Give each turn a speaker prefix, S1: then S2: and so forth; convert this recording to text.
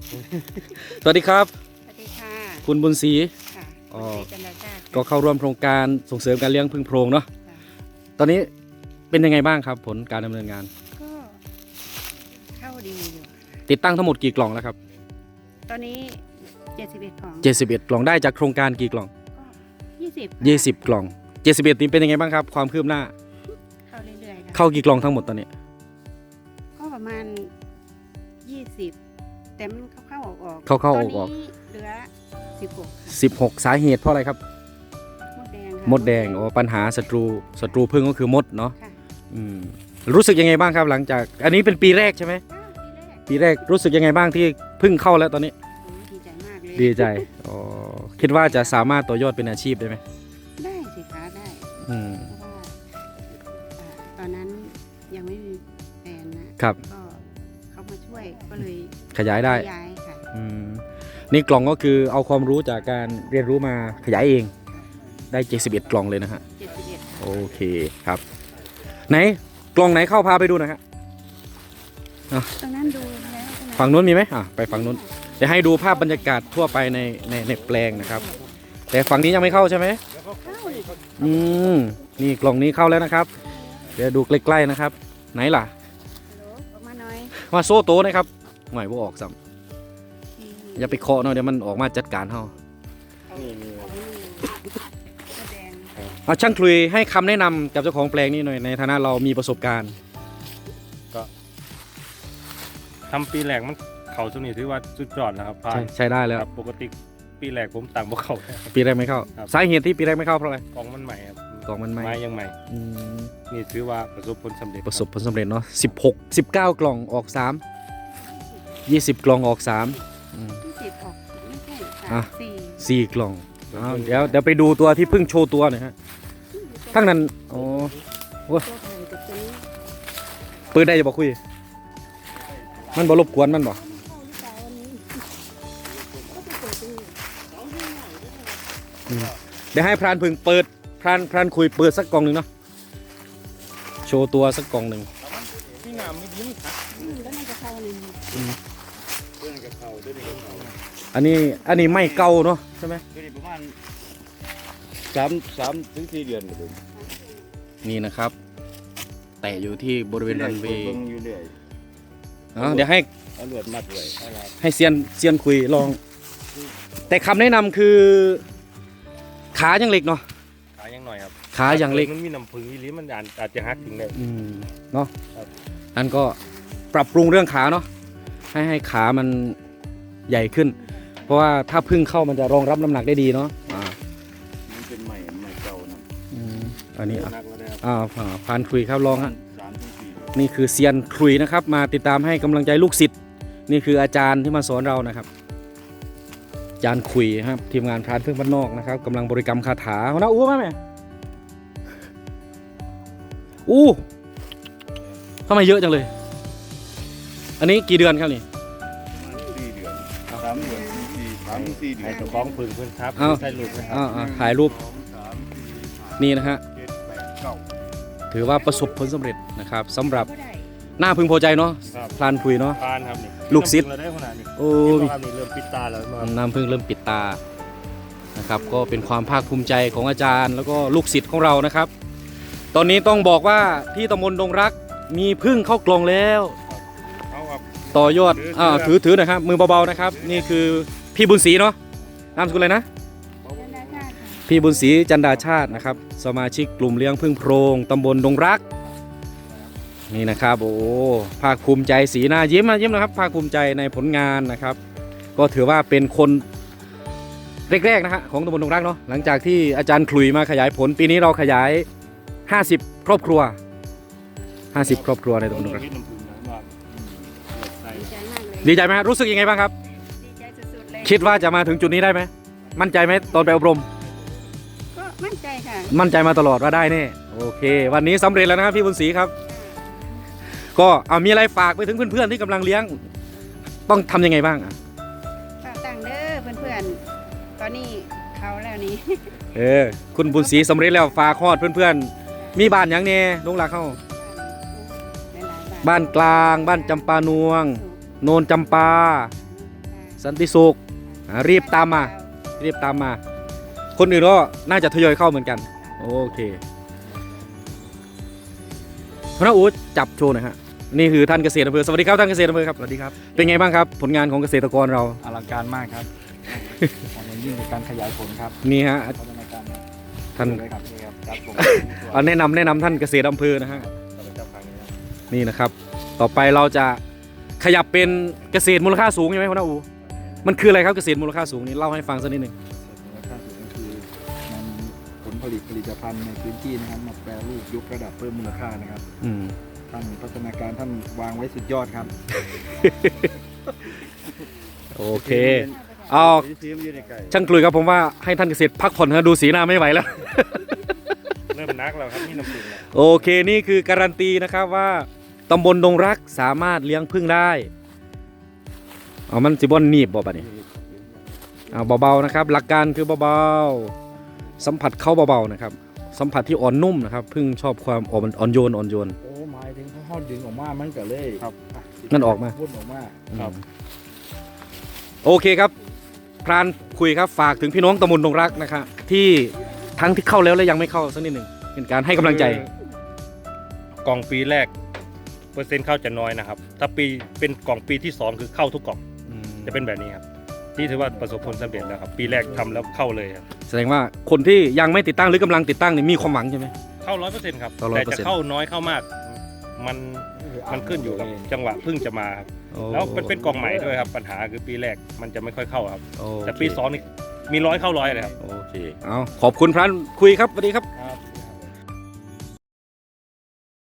S1: สวัสดีครับ
S2: สวัสดีค่ะ
S1: คุณบุญศรี
S2: ค่ะ
S1: อ๋อ
S2: จันดาชาติ
S1: ก็เข้าร่วมโครงการส่งเสริมการเลี้ยงพึ่งโพรงเนาะ
S2: ค่ะ
S1: ตอนนี้เป็นยังไงบ้างครับผลการดำเนินงาน
S2: ก็เข้าดีอยู่
S1: ติดตั้งทั้งหมดกี่กล่องแล้วครับ
S2: ตอนนี้71ของ
S1: 71กล่องได้จากโครงการกี่กล่อง
S2: ก็
S1: 20กล่อง71นี้เป็นยังไงบ้างครับความคืบหน้า
S2: เข้าเรื่อยๆค่ะ
S1: เข้ากี่กล่องทั้งหมดตอนนี้
S2: ก็ประมาณ20แต่มันเข้าๆออกๆ
S1: เข้าๆออกๆ
S2: ตอนนี้เหลือ16ค่ะ
S1: 16สาเหตุเพราะอะไรครับ
S2: มดแดงค่ะ
S1: มดแดงอ๋อปัญหาศัตรูพึ่งก็คือมดเนาะ
S2: ค่ะ
S1: อืมรู้สึกยังไงบ้างครับหลังจากอันนี้เป็นปีแรกใช่ไหม
S2: อ้าวทีแรก
S1: ปีแรกรู้สึกยังไงบ้างที่พึ่งเข้าแล้วตอนนี้
S2: โอ้ยดีใจมากเลย
S1: ดีใจอ๋อคิดว่าจะสามารถต่อยอดเป็นอาชีพได้ไหม
S2: ได้สิคะได้
S1: อืม
S2: เพราะว่าตอนนั้นยังไม่มีแฟนนะครับ ก็เขามาช่วยก็เลย
S1: ขยายได้
S2: ย้ายค่ะ
S1: อืมนี่กล่องก็คือเอาความรู้จากการเรียนรู้มาขยายเองได้71กล่องเลยนะฮะ
S2: 71
S1: โอเคครับ ไหนกล่องไหนเข้าพาไปดูหนะฮะ
S2: ตรงนั้นดูแล้วใช่ไหม
S1: ฝั่งนู้นมีไหมไปฝั่งนู้นเดี๋ยวให้ดูภาพบรรยากาศทั่วไปในแปลงนะครับ แต่ฝั่งนี้ยังไม่เข้าใช่ไหม
S2: เข้าอีก
S1: อืมนี่กล่องนี้เข้าแล้วนะครับ เดี๋ยวดูใกล้ๆนะครับ ไหนล่ะ
S2: ฮัลโหลออกมาหน่อย
S1: มาโซ่โตนะครับหมายว่าออกซ้ำอย่าไปเคาะเนาะเดี๋ยวมันออกมาจัดการเฮา
S2: นี่มีแสดง
S1: เอาช่างคลุยให้คำแนะนำกับเจ้าของแปลงนี้หน่อยในฐานะเรามีประสบการณ์
S3: ทำปีแรกมันเขาช่วงนี้ถือว่าสุดยอดนะครับผ่าน
S1: ใช้ได้แล้ว
S3: ครับปกติปีแรกผมต่างพวกเขา
S1: ปีแรกไม่เข้า
S3: ครับ
S1: สาเหตุที่ปีแรกไม่เข้าเพราะอะไร
S3: กองมันใหม่ครับ
S1: กล่องมันไหม
S3: ไม้ยังใหม่
S1: อืม
S3: นี่ถือว่าประสบผลสำเร็จ
S1: ประสบผลสำเร็จเนาะ19 กล่องออก3 20 กล่องออก3อืม
S2: 20ออกไม่ใช่
S1: อ่ะ
S2: 4
S1: 4 กล่องอ้าวเดี๋ยวไปดูตัวที่เพิ่งโชว์ตัวหน่อยฮะทั้งนั้นอ๋อ
S2: ตัวไผ่กับตัวนี้
S1: เปิดได้จะบอกคุย มันบ่รบกวนมันบ่อืมเดี๋ยวให้พรานพึงเปิดพรานคุยเปิดสักกล่องหนึ่งเนาะโชว์ตัวสักกล่องหนึ่ง
S3: ที่งามไม่ดีครับ
S2: แล้วมันจะเข้าในนี้
S3: เรื่องกับเขาด้วยนี่เขา
S1: อันนี้ไม่เก่าเนาะใช่ไหม
S3: ด้วยนี่ประมาณ3 ถึง 4 เดือนเลย
S1: นี่นะครับ แต่อยู่ที่บริเวณรันเวย์
S3: เบิ่งอยู่เรื่อย
S1: เดี๋ยวให้
S3: เอาเลือดมัดไว้เอาล่ะ
S1: ให้เซียนคุยลอง แต่คำแนะนำคือ ขายังเล็กเนาะ
S3: ขายังหน่อยครับ
S1: ขายังเล็ก
S3: มันมีน้ำผึ้งอีหลีมันอาจจะหักถึงได้
S1: เนาะ
S3: ครับ
S1: นั่นก็ปรับปรุงเรื่องขาเนาะให้ขามันใหญ่ขึ้น เพราะว่าถ้าพึ่งเข้ามันจะรองรับน้ำหนักได้ดีเนาะ
S3: มันเป็นใหม่เก่านะ
S1: อันนี้
S3: นักแล้วนะครับ
S1: พานคุยครับลองฮะ
S3: 3 ถึง
S1: นี่คือเซียนคุยนะครับ มาติดตามให้กำลังใจลูกศิษย์นี่คืออาจารย์ที่มาสอนเรานะครับอาจารย์คุยครับทีมงานพรานพึ่งบ้านนอกนะครับกำลังบริกรรมคาถาหัวหน้าอู้ไหมแม่อู้ทำไมเยอะจังเลย อันนี้กี่เดือนครับนี่
S3: 4 เดือน3 เดือน3 ถึง 4 เดือนให้เจ้าของผึ้งเพิ่นครับ
S1: เอา
S3: ใส่ลูกนะครั
S1: ถ่ายรูป
S3: 2 3
S1: นี่นะฮะ
S3: 4 5 6 7 8 9
S1: ถือว่าประสบผลสำเร็จนะครับสำหรับ
S2: ก็ได้
S1: หน้าพึงพอใจเนาะ
S3: ครับ
S1: พรานคุยเนาะ
S3: ผ่านครับนี่
S1: ลูกศิษย์
S3: เราได้ขนาดนี้
S1: โอ้
S3: นี่ครับนี่เริ่มปิดตาแล้วมา
S1: น้ำพึ่งเริ่มปิดตานะครับ ก็เป็นความภาคภูมิใจของอาจารย์ แล้วก็ลูกศิษย์ของเรานะครับ ตอนนี้ต้องบอกว่าที่ตำบลดงรักมีพึ่งเข้ากล่องแล้ว
S3: เอาครับ
S1: ต่อยอด
S3: ถือ
S1: ถือหนะครับมือเบาๆนะครับ นี่คือพี่บุญศรีเนาะนามสกุลอะไรนะ
S2: จันดาชาติค่ะ
S1: พี่บุญศรีจันดาชาตินะครับสมาชิกกลุ่มเลี้ยงพึ่งโพรงตำบลดงรักนี่นะครับโอ้ภาคภูมิใจสีหน้ายิ้มนะครับภาคภูมิใจในผลงานนะครับ ก็ถือว่าเป็นคนแรกๆนะฮะของตำบลดงรักเนาะหลังจากที่อาจารย์ขลุยมาขยายผลปีนี้เราขยาย50 ครอบครัว50 ครอบครัวในตำบลดงรัก
S3: น้ำผึ้งนะว่าใส่
S2: ดีใจมากเลย
S1: ดีใจไหมฮะรู้สึกยังไงบ้างครับ
S2: ดีใจสุดๆเลย
S1: คิดว่าจะมาถึงจุดนี้ได้ไหมมั่นใจไหมตอนไปอบรม
S2: ก็มั่นใจค่ะ
S1: มั่นใจมาตลอดว่าได้แน่โอเค วันนี้สำเร็จแล้วนะครับพี่บุญศรีครับ ก็เอามีอะไรฝากไปถึงเพื่อนๆที่กำลังเลี้ยง ต้องทำยังไงบ้างอ่ะ
S2: ฝากตังค์เด้อเพื่อนๆ ตอนนี้เขาแล้วนี่
S1: คุณบุญศรีสำเร็จแล้วฝากฮอดเพื่อนๆ มีบ้านหยังแน่ลงหลักเข้า
S2: หลายๆ
S1: บ้านกลาง บ้านจำปานวง โนนจำปาสันติสุขรีบตามมา รีบตามมา คนอื่นก็น่าจะทยอยเข้าเหมือนกัน โอเคพระอู๊ดจับโชว์หน่อยฮะนี่คือท่านเกษตรอำเภอสวัสดีครับท่านเกษตรอำเภอครับ
S4: สวัสดีครับ
S1: เป็นไงบ้างครับ ผลงานของเกษตรกรเรา
S4: อลังการมากครับ ของอย่างยิ่งในการขยายผลครับ
S1: นี่ฮะ
S4: พัฒนาการ
S1: ท่าน
S4: เลยครับนี่ครับครับผม
S1: เอาแนะนำท่านเกษตรอำเภอนะฮะนี่นะครับ ต่อไปเราจะขยับเป็นเกษตรมูลค่าสูงใช่ไหมพ่อนาอูมันคืออะไรครับเกษตรมูลค่าสูงนี่เล่าให้ฟังสักนิดหนึ่ง
S4: มูลค่าสูงก็คือนำผลผลิตภัณฑ์ในพื้นที่นะครับมาแปรรูปยกระดับเพิ่มมูลค่านะครับ
S1: อืม
S4: ท่านพัฒนาการท่านวางไว้สุดยอดครับ
S1: โอเคเอาช่างกลุยครับผมว่าให้ท่านเกษตรพักผ่อนนะดูสีหน้าไม่ไหวแล้ว
S3: เริ่มนักแล้วครับนี่น้ำผึ้งแล้ว
S1: โอเคนี่คือการันตีนะครับว่าตำบลดงรักสามารถเลี้ยงผึ้งได้เอามันสิบอนหนีบบ่ปะนี่เอาเบาๆนะครับ หลักการคือเบาๆสัมผัสเข้าเบาๆนะครับสัมผัสที่อ่อนนุ่มนะครับผึ้งชอบความอ่อนโยน
S4: โอ้หมายถึงเขาดึงออกมามันก็เลย
S3: ครับ
S1: นั่นออกมา
S4: พุ่นออกมา
S3: ครับ
S1: โอเคครับพรานคุยครับฝากถึงพี่น้องตำบลดงรักนะครับที่ทั้งที่เข้าแล้วและยังไม่เข้าสักนิดหนึ่งเป็นการให้กำลังใจ
S5: กล่องปีแรกเปอร์เซ็นต์เข้าจะน้อยนะครับ ถ้าปีเป็นกล่องปีที่ 2 คือเข้าทุกกล่องจะเป็นแบบนี้ครับที่ถือว่าประสบผลสำเร็จแล้วครับปีแรกทำแล้วเข้าเลยครับ
S1: แสดงว่าคนที่ยังไม่ติดตั้งหรือกำลังติดตั้งนี่มีความหวังใช่ไหม
S5: เข้า 100%ครับ
S1: เข้า
S5: แต่
S1: 100%
S5: จะเข้าน้อยเข้ามากมันขึ้นอยู่กับจังหวะเพิ่งจะมาครับ
S1: โอ้
S5: แล้วมันเป็นกล่องใหม่ด้วยครับปัญหาคือปีแรกมันจะไม่ค่อยเข้าครับ
S1: โอเค
S5: แต่ปี 2 นี่มี100เข้า100เลยครับ
S1: โอเคเอาขอบคุณพรานคุยครับสวัสดีครับ